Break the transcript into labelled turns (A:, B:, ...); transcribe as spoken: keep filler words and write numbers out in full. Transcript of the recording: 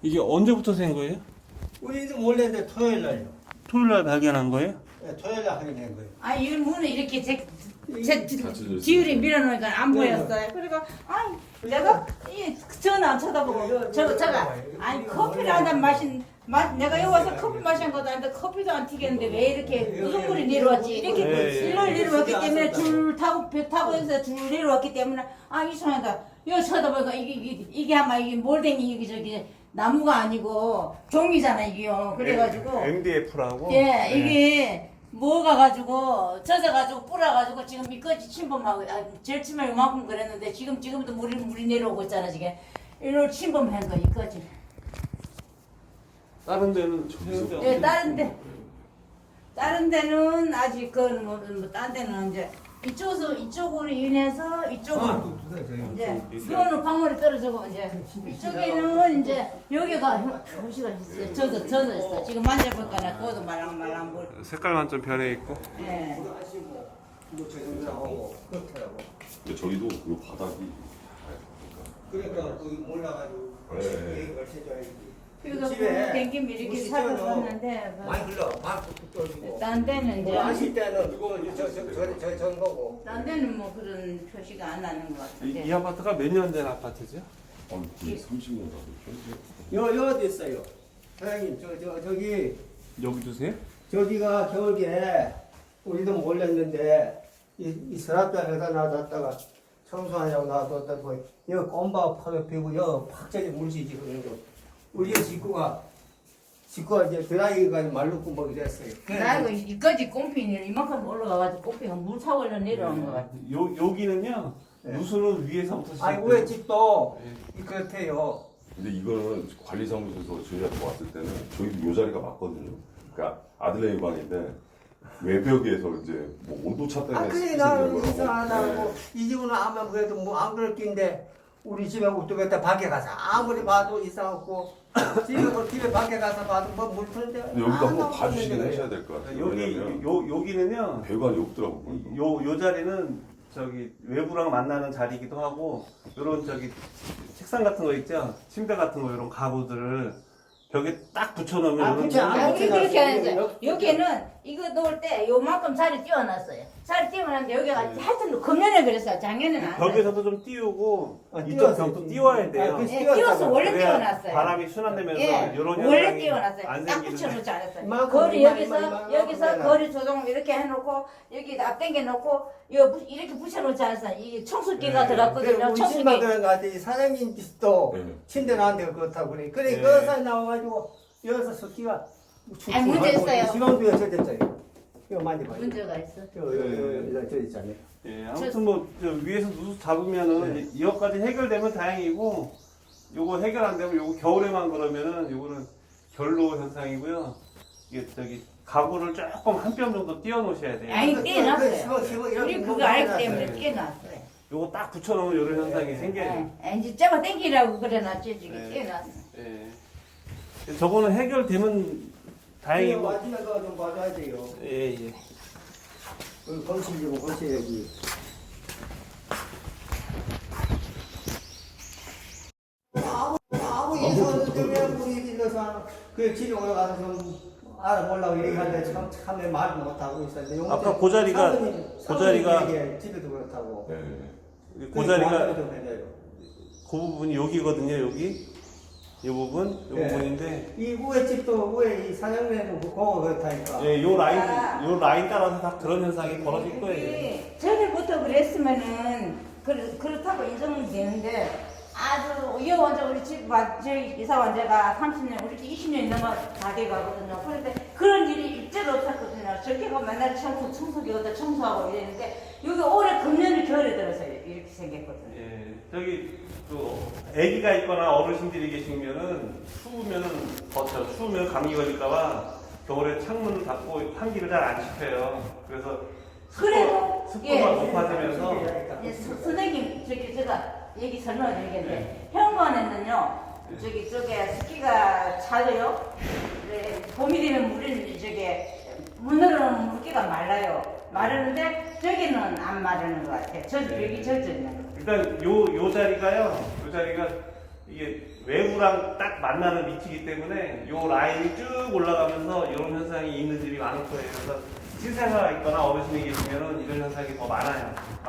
A: 이게 언제부터 생 거예요?
B: 우리도 몰래 이제 토요일 날요.
A: 토요일 날 발견한 거예요?
B: 네, 토요일 날 확인한 거예요.
C: 아, 이 문을 이렇게 제, 제
D: 닫혀져
C: 지율이 밀어놓으니까 안 보였어요. 그리고 아이 내가 이 전화 안 쳐다보고 저 저가 아니 커피를 한잔 마신 마, 내가 여기 와서 커피 마신 것도 아닌데 커피도 안 튀겠는데 왜 이렇게 우중물이 내려왔지? 이렇게
A: 네.
C: 일로 내려왔기 때문에 줄 타고 배 타고 해서 줄 내려왔기 때문에 아 이상하다. 여기 쳐다보니까 이게 이게, 이게 아마 이게 몰댕이 이게 저기 나무가 아니고 종이잖아 이게요. 그래가지고
A: 엠디에프라고.
C: 예 이게 뭐가 가지고 젖어가지고 뿌려가지고 지금 미끄러지 침범하고 아, 제일 처음에 요만큼 그랬는데 지금 지금도 물이 물이 내려오고 있잖아 지금 이로 침범한 거 이거지.
A: 다른 데는
D: 저기서-
C: 예 다른 데 다른 데는 아직 그건 뭐딴 데는 이제 이쪽에서 이쪽으로 인해서 이쪽으로
B: 아, 또 두세요.
C: 이제 이거는 광물이 떨어지고 이제 이쪽에는 이제 여기가 표시가 있어요. 젖어 젖어 있어. 지금 만져볼까나 그것도 말랑말랑 물.
A: 색깔만 좀 변해 있고.
C: 예.
B: 뭐 저정도하고 그렇더라고.
D: 근데 저희도 그 바닥이
B: 그러니까 거기 몰라가지고
D: 네.
B: 얘기를 해줘야지.
C: 그래서
B: 집에
C: 댕김 이렇게
B: 무시
C: 살펴봤는데 뭐
B: 많이 흘러, 막 떨어지고.
C: 딴 데는
B: 뭐
C: 이제
B: 하실 때는 이거 저저저저 거고.
C: 딴 데는 뭐 그런 표시가 안 나는 것
A: 이,
C: 같은데.
A: 이 아파트가 몇 년 된 아파트죠?
D: 한 거의 삼십 년 가겠죠.
B: 여 여기 있어요. 사장님 저 저 저기
A: 여기 두세요?
B: 저기가 겨울에 우리도 몰랐는데 이, 이 서랍장에다 놔뒀다가 청소하냐고 놔뒀다 뭐 여기 껌바 파도 피고 여기 팍전이 물지지 그런 거. 우리 식구가 식구가 이제 드라이기가 말르고 뭐 이랬어요.
C: 나 이거 이까지 꽁피니 이만큼 올라가가지고 꽁피가 물 타고 일로 내려오는 것 같아.
A: 요 여기는요.
B: 네.
A: 누수는 위에서부터
B: 아니
A: 시작돼요.
B: 우리 집도
A: 네.
B: 이 그렇대요.
D: 근데 이거는 관리사무소에서 저희한테 왔을 때는 저희도 요 자리가 맞거든요. 그러니까 아들네 방인데 외벽에서 이제 뭐 온도차 때문에
B: 아 그래
D: 생기는
B: 나는
D: 거라고.
B: 이상하다고
D: 네.
B: 이 집은 아마 그래도 뭐 안 그럴 낀데 우리 집에 우뚝했다 밖에 가서 아무리 봐도 이상하고 집에 뭐 집에 밖에 가서 봐도 뭐물 푸는데
D: 근데 여기도 한번 봐주시긴 하셔야 될 것 같아요.
A: 여기
D: 왜냐면
A: 요 여기는요.
D: 배관이 없더라고요.
A: 요 요 자리는 저기 외부랑 만나는 자리이기도 하고 요런 저기 책상 같은 거 있죠? 침대 같은 거 이런 가구들을 벽에 딱 붙여놓으면
B: 아,
A: 요런
B: 그치,
A: 자리-
B: 아,
C: 여기 그렇게
B: 여기,
C: 해서
B: 여기.
C: 여기는 이거 놓을 때 요만큼 자리 띄워놨어요. 자리 띄워놨는데 여기가
B: 네.
C: 하여튼 금년에 그랬어요. 작년에는 안 그랬어요.
A: 벽에서도 좀 띄우고
B: 아,
A: 이쪽
B: 띄웠어요.
A: 벽도 띄워야 돼요.
B: 아, 그-
C: 예, 띄워서 원래
A: 그래야
C: 띄워놨어요.
A: 바람이 순환되면서
C: 예,
A: 이런
C: 원래
A: 현상이
C: 띄워놨어요.
A: 안
C: 딱
A: 생기는데.
C: 붙여놓지 않았어요.
B: 이만큼,
C: 거리
B: 이만,
C: 여기서
B: 이만, 이만,
C: 여기서
B: 이만.
C: 거리 조정 이렇게 해놓고 여기 앞 당겨 놓고 요 이렇게 붙여놓지 않았어요. 이게 청소기가
A: 네.
C: 들어갔거든요.
B: 우리 집만
C: 청소기.
B: 그런 거 같아. 이 사장님 집도
D: 네.
B: 침대 나한테 그렇다고 그래. 그래
A: 네.
B: 그 사이 나와가지고 여기서 습기가
C: 아니, 문제 있어요.
B: 지방도에 저 됐어요. 이거 만져봐.
C: 문제가 있어.
B: 저, 저, 저, 저, 저 있잖아요.
A: 예, 아무튼 뭐 저 위에서 누수 잡으면은
B: 네.
A: 이- 이것까지 해결되면 다행이고 요거 해결 안 되면 요거 겨울에만 그러면은 요거는 결로 현상이고요. 이게 저기 가구를 조금 한 뼘 정도 띄워 놓으셔야 돼요.
C: 아니
B: 그, 그,
C: 떼놨어요.
B: 그, 그, 그,
C: 우리
B: 이렇게
C: 그거 알기
B: 해놨어요.
C: 때문에 떼놨어요.
A: 요거 딱 붙여놓으면 요런 현상이 생겨요.
C: 예, 이제 잡아 당기라고 그래놨지 지금
A: 네.
C: 떼놨어.
A: 예. 저거는 해결되면 다행이고.
B: 마지막에 좀 봐줘야 돼요.
A: 예, 예.
B: 그 건실 좀 건실해야지. 아무 아무 예산 때문에 우리 길러서 그 집에 올라가서 좀 알아보려고 얘기하는데 참 참에 말을 못 하고 있었는데 용태
A: 아까 그 자리가-
B: 사모님,
A: 그 자리가-
B: 사모님 얘기해, 집에도 그렇다고.
D: 네.
A: 그 자리가
B: 좀 해줘요.
A: 그 부분이 여기거든요, 여기. 이 부분, 이
B: 네.
A: 부분인데.
B: 이 우에 집도 우에 이 사장님은 그거 그렇다니까.
A: 예, 요 라인,
C: 아.
A: 요 라인 따라서 다 그런 현상이 벌어질 거예요.
C: 이게 전에부터 그랬으면은 그, 그렇다고 인정은 되는데 아주 이 완전 우리 집 와- 저희 이사 완제가 삼십 년 우리 집 이십 년이 넘어 다 돼가거든요. 그런데 그런 일이 일제로 없었거든요. 저렇게가 맨날 청소 청소기 갖다 청소하고 이랬는데 여기 올해 금년을 겨울에 들어서 이렇게 생겼거든요.
A: 예, 저기 또 아기가 있거나 어르신들이 계시면은 추우면은 더쳐 추우면 감기 걸릴까봐 겨울에 창문을 닫고 환기를 잘 안 시켜요. 그래서
C: 그래도,
A: 습도,
C: 예.
A: 습도가 높아지면서
C: 예, 서- 선생님 저기 제가 얘기 설명드리겠는데 현관에는요 저기 쪽에 습기가 잦아요. 네, 봄이 되면 물은 저게 문으로는 물기가 말라요. 마르는데 저기는 안 마르는 것 같아요. 저 여기 젖어 있는 거.
A: 일단 요, 요 자리가요, 요 자리가 이게 외부랑 딱 만나는 위치이기 때문에 이 라인이 쭉 올라가면서 이런 현상이 있는 집이 많을 거예요. 그래서 신생아가 있거나 어르신이 계시면은 이런 현상이 더 많아요.